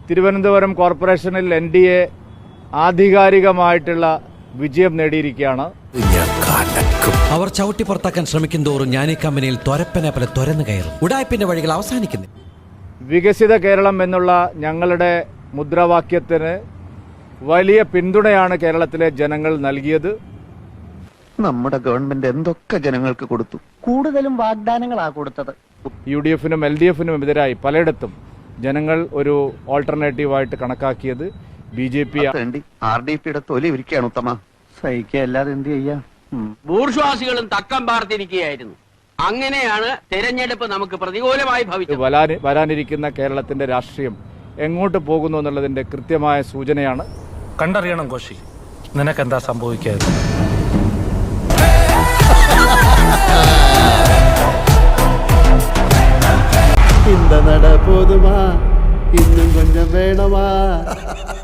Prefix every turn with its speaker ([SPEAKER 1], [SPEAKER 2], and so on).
[SPEAKER 1] തിരുവനന്തപുരം കോർപ്പറേഷനിൽ NDA ആധികാരികമായിട്ടുള്ള വിജയം നേടിയിരിക്കുകയാണ്.
[SPEAKER 2] അവർ ചവിട്ടി പുറത്താക്കാൻ ശ്രമിക്കും തോറും ഞാൻ ഈ കമ്പനിയിൽ തൊരപ്പനെ പോലെ തുരന്നു കയറും. ഉടായ്പിന്റെ വഴികൾ അവസാനിക്കുന്നു.
[SPEAKER 1] വികസിത കേരളം എന്നുള്ള ഞങ്ങളുടെ മുദ്രാവാക്യത്തിന് വലിയ പിന്തുണയാണ് കേരളത്തിലെ ജനങ്ങൾ നൽകിയത്.
[SPEAKER 3] നമ്മുടെ ഗവൺമെന്റ് എന്തൊക്കെ ജനങ്ങൾക്ക് കൊടുത്തു,
[SPEAKER 4] കൂടുതലും വാഗ്ദാനങ്ങളാണ് കൊടുത്തത്.
[SPEAKER 1] UDF-നും LDF-നും എതിരായി പലയിടത്തും ജനങ്ങൾ ഒരു ഓൾട്ടർനേറ്റീവായിട്ട് കണക്കാക്കിയത് BJP.
[SPEAKER 3] RDP-യുടെ തൊലി ഇരിക്കുകയാണ് ഉത്തമ.
[SPEAKER 4] സഹിക്കല്ലാതെ എന്ത് ചെയ്യാ?
[SPEAKER 5] ബൂർഷ്വാസികളും തക്കം പാർത്തിരിക്കുകയായിരുന്നു. അങ്ങനെയാണ് തെരഞ്ഞെടുപ്പ് നമുക്ക് പ്രതികൂലമായി ഭവിച്ചത്.
[SPEAKER 1] വരാനിരിക്കുന്ന കേരളത്തിന്റെ രാഷ്ട്രീയം എങ്ങോട്ട് പോകുന്നു എന്നുള്ളതിന്റെ കൃത്യമായ സൂചനയാണ്.
[SPEAKER 6] കണ്ടറിയണം കോശി, നിനക്കെന്താ സംഭവിക്കാതെ.
[SPEAKER 7] இந்த நட போதுமா, இன்னும் கொஞ்சம் வேணுமா?